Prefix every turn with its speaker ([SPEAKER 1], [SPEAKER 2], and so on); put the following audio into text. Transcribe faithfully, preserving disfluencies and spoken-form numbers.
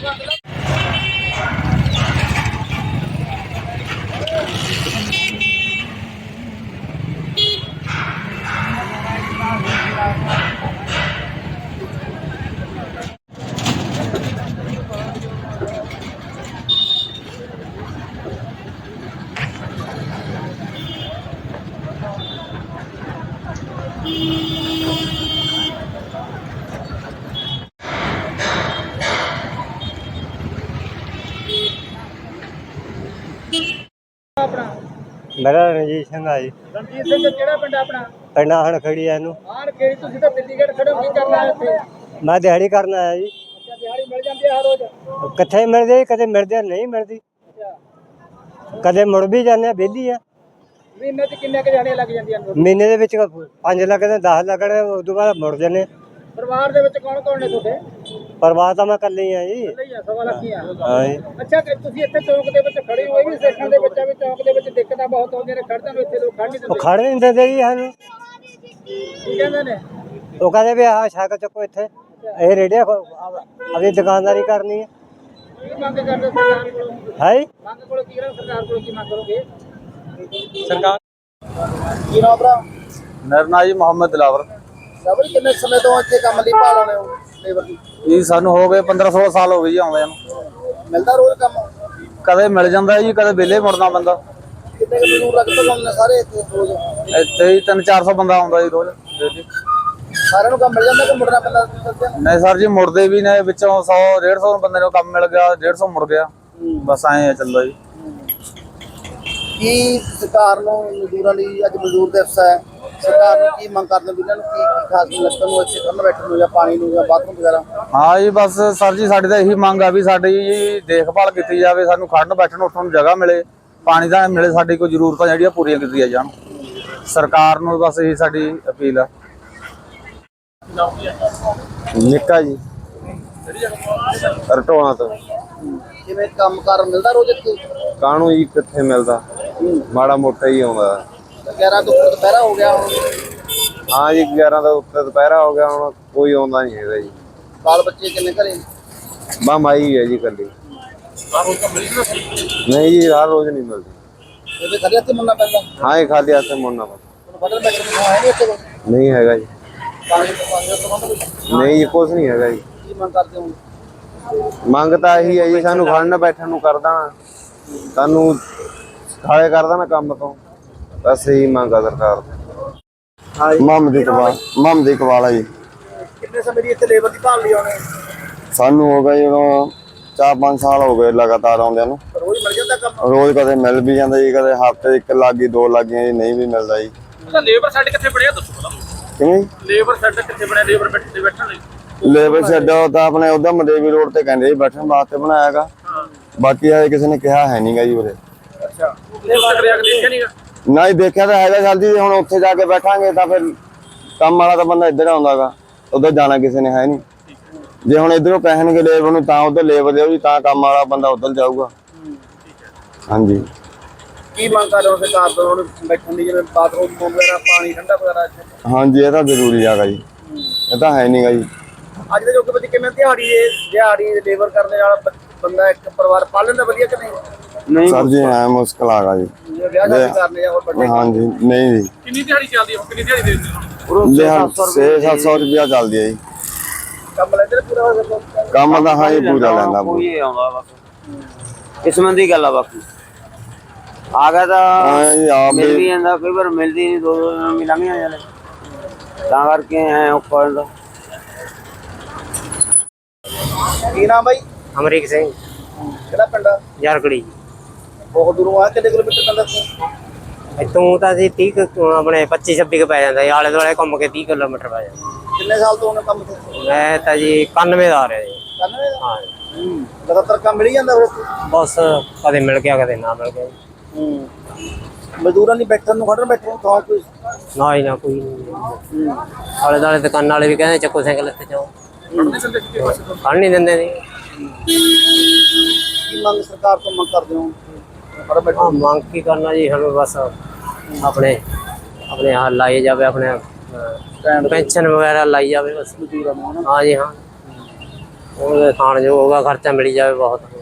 [SPEAKER 1] मेरा रणजीत सिंह है जी।
[SPEAKER 2] रणजीत सिंह केड़ा पिंड अपना?
[SPEAKER 1] पिंड हण खड़ी है इनू।
[SPEAKER 2] हां खेड़ी तुसी तो दिल्लीगढ़ खड़े हो, की करना है इत्थे?
[SPEAKER 1] मैं दिहाड़ी करना आया जी।
[SPEAKER 2] अच्छा, दिहाड़ी मिल जाती है हर रोज?
[SPEAKER 1] किथे मिलदी, कदे मिलदी नहीं मिलदी।
[SPEAKER 2] अच्छा,
[SPEAKER 1] कदे मुड़ भी जाने बेली है।
[SPEAKER 2] महीने च किन्ने क जाने लग जांदियां ने?
[SPEAKER 1] महीने दे विच पांच लगदे, दस लगदे, उस तो बाद मुड़ जाने।
[SPEAKER 2] परिवार दे विच कौन कौन ने तुहाडे?
[SPEAKER 1] परिवार तो मैं कल्ले ही हां जी।
[SPEAKER 2] कल्ले ही आ, सवा लख ही आ।
[SPEAKER 1] हां जी।
[SPEAKER 2] अच्छा, कि तुसी इत्थे चौक दे विच खड़े हो, भी सेखां दे विच भी चौक दे विच दिक्कतां बहुत आउंदियां ने, खड़दे ने इत्थे लोग खड़ नहीं
[SPEAKER 1] ਉਹ
[SPEAKER 2] दिंदे।
[SPEAKER 1] ਖੜ ਨਹੀਂ ਦਿੰਦੇ ਜੀ ਸਾਨੂੰ।
[SPEAKER 2] की कहंदे ने?
[SPEAKER 1] ਉਹ ਕਹਿੰਦੇ ਵੀ ਆਹ ਛੱਕ ਚੱਕੋ ਇੱਥੇ, ਇਹ ਰੇੜੀਆਂ ਆਪਣੀ ਦੁਕਾਨਦਾਰੀ ਕਰਨੀ ਹੈ।
[SPEAKER 2] की मंग करदे सरकार कोलों?
[SPEAKER 1] ਹੈ ਜੀ।
[SPEAKER 2] मंग कोलों की करो, सरकार कोलों की मंग करोगे?
[SPEAKER 1] ਸਰਕਾਰ
[SPEAKER 2] की नाम भरा?
[SPEAKER 3] ਮੇਰਾ ਨਾਂ ਜੀ ਮੁਹੰਮਦ ਦਿਲਾਵਰ।
[SPEAKER 2] ਡਬਲ ਕਿੰਨੇ ਸਮੇਂ ਤੋਂ ਇੱਥੇ ਕੰਮ ਲਈ ਭਾਲਣੇ ਹੋ ਲੇਬਰ ਦੀ?
[SPEAKER 3] ਜੀ ਸਾਨੂੰ ਹੋ ਗਏ ਪੰਦਰਾਂ ਸੋਲਾਂ ਸਾਲ ਹੋ ਗਏ ਜੀ ਆਉਂਦਿਆਂ ਨੂੰ।
[SPEAKER 2] ਮਿਲਦਾ ਰੋਜ਼ ਕੰਮ?
[SPEAKER 3] ਕਦੇ ਮਿਲ ਜਾਂਦਾ ਜੀ, ਕਦੇ ਵਿਹਲੇ ਮੁੜਨਾ ਪੈਂਦਾ।
[SPEAKER 2] ਕਿੰਨੇ ਕੁ ਮਜ਼ਦੂਰ ਲੱਗਦੇ ਹੁੰਦੇ ਸਾਰੇ ਇੱਥੇ ਰੋਜ਼?
[SPEAKER 3] ਇੱਥੇ ਹੀ ਤਿੰਨ ਚਾਰ ਸੌ ਬੰਦਾ ਆਉਂਦਾ ਜੀ ਰੋਜ਼ ਡੇਲੀ।
[SPEAKER 2] ਸਾਰਿਆਂ ਨੂੰ ਕੰਮ ਮਿਲ ਜਾਂਦਾ ਕਿ ਮੁੜਨਾ ਪੈਂਦਾ ਦੱਸਿਆ?
[SPEAKER 3] ਨਹੀਂ ਸਰ ਜੀ, ਮੁੜਦੇ ਵੀ ਨੇ ਵਿੱਚੋਂ ਸੌ ਡੇਢ ਸੌ ਬੰਦੇ ਨੂੰ ਕੰਮ ਮਿਲ ਗਿਆ, ਡੇਢ ਸੌ ਮੁੜ ਗਿਆ, ਬਸ ਐਂ ਚੱਲਦਾ ਜੀ।
[SPEAKER 2] ਕੀ ਸਰਕਾਰ ਨੂੰ ਮਜ਼ਦੂਰਾਂ ਲਈ ਅੱਜ ਮਜ਼ਦੂਰ ਦਿਵਸ ਹੈ, ਸਰਕਾਰ ਨੂੰ ਕੀ ਮੰਗ ਕਰਦੇ ਵੀ ਇਹਨਾਂ ਨੂੰ ਕੀ ਕੀ ਖਾਸ ਲੱਤਾਂ ਨੂੰ ਇੱਥੇ ਕਰਨ ਬੈਠਣ ਨੂੰ ਜਾਂ ਪਾਣੀ ਨੂੰ ਜਾਂ ਬਾਥਰੂਮ ਵਗੈਰਾ?
[SPEAKER 3] ਹਾਂ ਜੀ, ਬਸ ਸਰ ਜੀ ਸਾਡੀ ਤਾਂ ਇਹੀ ਮੰਗ ਆ ਵੀ ਸਾਡੀ ਜੀ ਦੇਖਭਾਲ ਕੀਤੀ ਜਾਵੇ, ਸਾਨੂੰ ਖੜਨ ਬੈਠਣ ਉੱਠਣ ਨੂੰ ਜਗ੍ਹਾ ਮਿਲੇ, ਪਾਣੀ ਦਾ ਮਿਲੇ, ਸਾਡੀ ਕੋਈ ਜ਼ਰੂਰਤਾਂ ਜਿਹੜੀਆਂ ਪੂਰੀਆਂ ਕੀਤੀਆਂ ਜਾਣ। ਸਰਕਾਰ ਨੂੰ ਬਸ ਇਹੀ ਸਾਡੀ ਅਪੀਲ ਆ।
[SPEAKER 1] ਨਿੱਕਾ ਜੀ ਰਟੋਣਾ ਤੋਂ।
[SPEAKER 2] ਜਿਵੇਂ ਕੰਮ ਕਾਰ ਮਿਲਦਾ ਰੋਜ਼ ਇੱਥੇ?
[SPEAKER 1] ਕਾਹਨੂੰ ਜੀ ਕਿੱਥੇ ਮਿਲਦਾ, ਮਾੜਾ ਮੋਟਾ ਹੀ ਆਉਂਦਾ।
[SPEAKER 2] ਗਿਆਰਾਂ ਤੋਂ ਉੱਪਰ ਦੁਪਹਿਰਾ ਹੋ ਗਿਆ ਹੁਣ?
[SPEAKER 1] ਹਾਂ ਜੀ, ਗਿਆਰਾਂ ਦਾ ਉੱਤੇ ਦੁਪਹਿਰਾ ਹੋ ਗਿਆ, ਹੁਣ ਕੋਈ ਆਉਂਦਾ ਨਹੀਂ ਹੈਗਾ ਜੀ।
[SPEAKER 2] ਬਾਲ ਬੱਚੇ ਕਿੰਨੇ ਘਰੇ?
[SPEAKER 1] ਬਾ ਮਾਈ ਹੈ ਜੀ ਕੱਲੀ। ਨਹੀਂ ਜੀ, ਹਰ ਰੋਜ਼ ਨਹੀਂ ਮਿਲਦੀ।
[SPEAKER 2] ਇਹਦੇ ਖੜੇ ਹੱਥ ਮੁੰਨਾ ਪੈਂਦਾ?
[SPEAKER 1] ਹਾਂ ਜੀ, ਖਾਲੀ ਹੱਥ ਮੁੜਨਾ ਪੈਂਦਾ।
[SPEAKER 2] ਬਦਲ ਬੈਠਣ ਨੂੰ ਹੈ ਨਹੀਂ ਇੱਥੇ ਕੋਈ?
[SPEAKER 1] ਨਹੀਂ ਹੈਗਾ ਜੀ।
[SPEAKER 2] ਪਾਣੀ ਤੋਂ ਪਾਣੀ ਤੋਂ ਬੰਦ ਕੋਈ?
[SPEAKER 1] ਨਹੀਂ ਜੀ, ਕੁਛ ਨਹੀਂ ਹੈਗਾ ਜੀ।
[SPEAKER 2] ਕੀ ਮੰਗ ਕਰਦੇ ਹੋ?
[SPEAKER 1] ਮੰਗ ਤਾਂ ਇਹੀ ਹੈ ਜੀ, ਸਾਨੂੰ ਖੜਨ ਬੈਠਣ ਨੂੰ ਕਰ ਦੇਣਾ, ਸਾਨੂੰ ਖਾਲੇ ਕਰ ਦੇਣਾ ਕੰਮ ਤੋਂ, ਬਸ ਇਹੀ ਮੰਗ ਆ ਸਰਕਾਰ ਤੋਂ।
[SPEAKER 4] ਮੁਹੰਮਦ ਇਕਬਾਲ ਮੁਹੰਮਦ ਇਕਬਾਲ ਆ ਜੀ।
[SPEAKER 2] ਕਿੰਨੇ ਸਮੇਂ ਦੀ ਇੱਥੇ ਲੇਬਰ ਦੀ ਭਾਲ ਲਈ ਆਉਣੇ?
[SPEAKER 4] ਸਾਨੂੰ ਹੋ ਗਏ ਜਦੋਂ ਚਾਰ ਪੰਜ ਸਾਲ ਹੋ ਗਏ ਲਗਾਤਾਰ ਆਉਂਦਿਆਂ ਨੂੰ।
[SPEAKER 2] ਰੋਜ਼ ਮਿਲ ਜਾਂਦਾ ਕੰਮ?
[SPEAKER 4] ਰੋਜ਼ ਕਦੇ ਮਿਲ ਵੀ ਜਾਂਦਾ ਜੀ, ਕਦੇ ਹਫ਼ਤੇ ਇੱਕ ਲੱਗੀ ਦੋ ਲੱਗੀਆਂ ਜੀ, ਨਹੀਂ ਵੀ ਮਿਲਦਾ ਜੀ।
[SPEAKER 5] ਲੇਬਰ ਸੈੱਟ ਕਿੱਥੇ ਬਣਿਆ ਦੱਸੋ ਪਹਿਲਾਂ?
[SPEAKER 4] ਕਿਵੇਂ
[SPEAKER 5] ਲੇਬਰ ਸੈੱਟ ਕਿੱਥੇ ਬਣਿਆ ਲੇਬਰ ਬੈਠੇ ਬੈਠਣ ਲਈ?
[SPEAKER 4] ਲੇਬਰ ਸ਼ੈੱਡ ਤਾਂ ਆਪਣੇ ਉਧਰ ਮਦੇਵੀ ਰੋਡ ਤੇ ਕਹਿੰਦੇ ਜੀ ਬੈਠਣ ਵਾਸਤੇ ਬਣਾਇਆ ਹੈਗਾ, ਬਾਕੀ ਹਜੇ ਕਿਸੇ ਨੇ ਕਿਹਾ ਹੈ ਨਹੀਂਗਾ ਜੀ ਉਰੇ।
[SPEAKER 5] ਅੱਛਾ, ਲੇਬਰ ਕਰਿਆ ਕਿ ਦੇਖਿਆ ਨਹੀਂਗਾ?
[SPEAKER 4] ਨਾ ਹੀ ਦੇਖਿਆ ਤਾਂ ਹੈਗਾ ਜਲਦੀ, ਹੁਣ ਉੱਥੇ ਜਾ ਕੇ ਬੈਠਾਂਗੇ ਤਾਂ ਫਿਰ ਕੰਮ ਵਾਲਾ ਤਾਂ ਬੰਦਾ ਇੱਧਰ ਆਉਂਦਾਗਾ, ਉਧਰ ਜਾਣਾ ਕਿਸੇ ਨੇ ਹੈ ਨਹੀਂ। ਜੇ ਹੁਣ ਇੱਧਰੋਂ ਕਹਿਣਗੇ ਲੇਬਰ ਨੂੰ ਤਾਂ ਉਧਰ ਲੇਬਰ ਦਿਓ ਜੀ, ਤਾਂ ਕੰਮ ਵਾਲਾ ਬੰਦਾ ਉਧਰ ਜਾਊਗਾ। ਹਾਂਜੀ।
[SPEAKER 2] ਕੀ ਮੰਗ ਕਰ ਰਹੇ ਹੋ ਸਰਕਾਰ ਤੋਂ ਹੁਣ ਬੈਠਣ ਦੀ, ਜਿਵੇਂ ਬਾਥਰੂਮ ਵਗੈਰਾ, ਪਾਣੀ ਠੰਡਾ ਵਗੈਰਾ ਇੱਥੇ?
[SPEAKER 4] ਹਾਂਜੀ, ਇਹ ਤਾਂ ਜ਼ਰੂਰੀ ਹੈਗਾ ਜੀ, ਇਹ ਤਾਂ ਹੈ ਨਹੀਂਗਾ ਜੀ।
[SPEAKER 2] ਅੱਜ ਦੇ ਯੁੱਗ ਵਿੱਚ ਕਿਵੇਂ ਦਿਹਾੜੀ ਦਿਹਾੜੀ ਲੇਬਰ ਕਰਨ ਨਾਲ ਬੰਦਾ ਇੱਕ ਪਰਿਵਾਰ ਪਾਲ ਲੈਂਦਾ ਵਧੀਆ ਕਿ ਨਹੀਂ?
[SPEAKER 4] ਸਰ ਜੀ ਹੈ ਮੁਸ਼ਕਲ ਆਗਾ ਜੀ।
[SPEAKER 2] ਜਿਵੇਂ ਵਿਆਹ ਸ਼ਾਦੀ ਕਰਨੇ ਜਾਂ ਹੋਰ ਵੱਡੇ?
[SPEAKER 4] ਹਾਂਜੀ, ਨਹੀਂ ਜੀ,
[SPEAKER 5] ਕਿੰਨੀ ਦਿਹਾੜੀ ਚੱਲਦੀ ਹੈ? ਕਿੰਨੀ ਦਿਹਾੜੀ ਦੇ ਦਿੰਦੇ ਹੋ?
[SPEAKER 4] ਛੇ ਸੱਤ ਸੌ ਰੁਪਇਆ ਚੱਲਦੀ ਹੈ ਜੀ।
[SPEAKER 2] ਕੰਮ ਲੈਂਦੇ ਨੇ ਪੂਰਾ ਹੋ ਜਾਂਦਾ?
[SPEAKER 4] ਕੰਮ ਤਾਂ ਹਾਂ ਜੀ ਪੂਰਾ ਲੈਂਦਾ।
[SPEAKER 3] ਕੋਈ ਆਉਂਦਾ ਬਸ ਕਿਸਮਤ ਦੀ ਗੱਲ ਆ, ਬਾਕੀ ਆ ਗਿਆ
[SPEAKER 4] ਹਾਂ ਜੀ, ਆਪ
[SPEAKER 3] ਤਾਂ ਮਿਲ ਵੀ
[SPEAKER 4] ਵੀ
[SPEAKER 3] ਜਾਂਦਾ, ਕਈ ਵਾਰ ਮਿਲਦੀ ਨਹੀਂ, ਦੋ ਦੋ ਦਿਨ ਮਿਲਾਂਗੇ ਜਾਂਦੇ ਤਾਂ ਕਰਕੇ ਐ ਔਖਾ ਹੁੰਦਾ।
[SPEAKER 2] ਕੀ ਨਾਮ ਬਾਈ?
[SPEAKER 1] ਅਮਰੀਕ ਸਿੰਘ
[SPEAKER 2] ਕਿਹੜਾ ਪਿੰਡ ਆ?
[SPEAKER 1] ਯਾਰਕੜੀ।
[SPEAKER 2] ਬਹੁਤ ਦੂਰੋਂ ਆ, ਕਿੰਨੇ ਕਿਲੋਮੀਟਰ ਪੈਂਦਾ ਇੱਥੋਂ?
[SPEAKER 1] ਇੱਥੋਂ ਤਾਂ ਅਸੀਂ ਤੀਹ ਕੁ ਆਪਣੇ ਪੱਚੀ ਛੱਬੀ ਕੁ ਪੈ ਜਾਂਦਾ, ਆਲੇ ਦੁਆਲੇ ਘੁੰਮ ਕੇ ਤੀਹ ਕਿਲੋਮੀਟਰ ਪੈ ਜਾਂਦਾ।
[SPEAKER 2] ਕਿੰਨੇ ਸਾਲ ਤੋਂ ਉਹਨੇ ਕੰਮ ਤੇ?
[SPEAKER 1] ਮੈਂ ਤਾਂ ਜੀ ਇਕਾਨਵੇਂ ਦਾ ਆ ਰਿਹਾ ਜੀ।
[SPEAKER 2] ਕਰਨਵੇ ਦਾ?
[SPEAKER 1] ਹਾਂ,
[SPEAKER 2] ਹੂੰ, ਲਗਾਤਾਰ ਕੰਮ ਮਿਲ ਜਾਂਦਾ ਫਿਰ ਇੱਥੇ?
[SPEAKER 1] ਬਸ ਕਦੇ ਮਿਲ ਗਿਆ ਕਦੇ ਨਾ ਮਿਲ ਗਿਆ ਜੀ।
[SPEAKER 2] ਹੂੰ, ਮਜ਼ਦੂਰਾਂ ਦੀ ਬੈਠਣ ਨੂੰ ਖੜਨ ਬੈਠਣ ਨੂੰ ਥਾਂ ਕੋਈ?
[SPEAKER 1] ਨਾ ਹੀ ਨਾ ਕੋਈ ਨਹੀਂ। ਆਲੇ ਦੁਆਲੇ ਦੁਕਾਨਾਂ ਵਾਲੇ ਵੀ ਕਹਿੰਦੇ ਚੱਕੋ ਸਾਈਕਲ ਇੱਥੇ ਜਾਓ, ਖੜ ਨਹੀਂ ਦਿੰਦੇ ਜੀ।
[SPEAKER 2] ਕੀ ਮੰਗ ਸਰਕਾਰ ਤੋਂ ਮੰਗ ਕਰਦੇ ਹੋ? ਖੜਨ ਬੈਠਣ
[SPEAKER 1] ਹਾਂ, ਮੰਗ ਕੀ ਕਰਨਾ ਜੀ, ਸਾਨੂੰ ਬਸ ਆਪਣੇ ਆਪਣੇ ਹਾਲ ਲਾਏ ਜਾਵੇ, ਆਪਣੇ ਪੈਨਸ਼ਨ ਵਗੈਰਾ ਲਾਈ ਜਾਵੇ ਬਸ। ਹਾਂ ਜੀ, ਹਾਂ।
[SPEAKER 6] ਉਹਦੇ ਖਾਣ ਜੋਗਾ ਖਰਚਾ ਮਿਲ ਜਾਵੇ ਬਹੁਤ।